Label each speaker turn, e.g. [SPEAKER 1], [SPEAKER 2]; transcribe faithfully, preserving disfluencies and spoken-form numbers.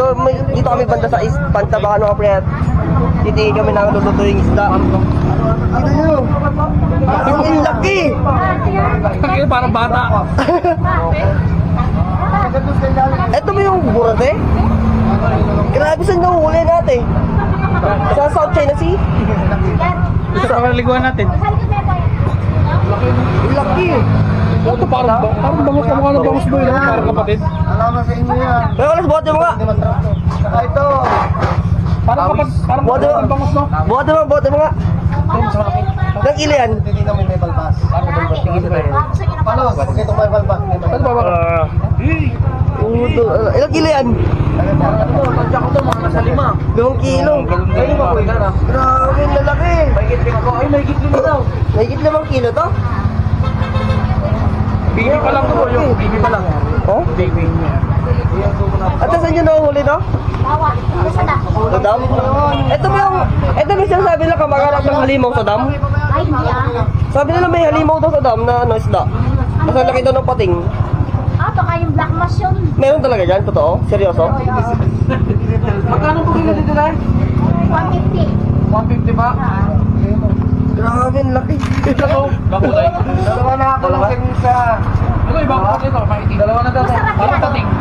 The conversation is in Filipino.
[SPEAKER 1] Dito, may, dito kami banda sa is, Pantabakan mga pre. Titingin kami ng luluto yung isda. Ito nyo. Ang laki.
[SPEAKER 2] Kaya parang bata.
[SPEAKER 1] Ito ba yung burate? Grabe saan nga huli natin? Sa South China Sea?
[SPEAKER 2] Sa kaliguan natin.
[SPEAKER 1] Ang laki.
[SPEAKER 2] Ito parang, parang bangus ka mukha ng bangus boy. No? Parang kapatid.
[SPEAKER 3] Alaman sa inyo yan.
[SPEAKER 1] Kaya alas, buhat mo nga.
[SPEAKER 3] Saka ito.
[SPEAKER 2] Parang kapatid. Parang
[SPEAKER 1] Buhat mo.
[SPEAKER 2] kapatid bangus no?
[SPEAKER 1] Buhat mo, buhat mo nga. Nang ilo yan?
[SPEAKER 3] Hindi namin may balbas.
[SPEAKER 1] Tingin na tayo.
[SPEAKER 3] Palos, huwag itong may balbas.
[SPEAKER 2] Ano ba ba?
[SPEAKER 1] Puto. Ilang kilo yan?
[SPEAKER 3] Tansya ko ito, mga nasa lima.
[SPEAKER 1] Limang kilo.
[SPEAKER 3] Ay, makuha ka na.
[SPEAKER 1] Grabe, ang lalaki.
[SPEAKER 3] Mahigit lima ko. Ay, mahigit lima daw.
[SPEAKER 1] Mahigit limang kilo to?
[SPEAKER 2] Baby pa lang to. Yung baby pa lang.
[SPEAKER 1] Oh?
[SPEAKER 2] Baby niya.
[SPEAKER 1] At saan nyo nahuli to? Sa dam? Ito ba yung... Ito ba yung sabi nila kamag-anak ng halimaw sa dam?
[SPEAKER 4] Ay, hindi ah.
[SPEAKER 1] Sabi nila may halimaw daw sa dam na ano isda. Mas ang laki daw ng pating.
[SPEAKER 4] Ah, baka yung black mass yun.
[SPEAKER 1] Meron talaga dyan? Totoo? Seryoso?
[SPEAKER 2] Magkano po kilo dito na?
[SPEAKER 4] one fifty.
[SPEAKER 2] one fifty ba?
[SPEAKER 1] Grabe, ang laki.
[SPEAKER 2] Ito. Bakulay.
[SPEAKER 3] Dalawa na ako lang sa...
[SPEAKER 2] Ano ibang kapatid ito? Maitim. Dalawa na daw.
[SPEAKER 4] Masarap
[SPEAKER 2] Parang
[SPEAKER 4] yan.
[SPEAKER 2] tating.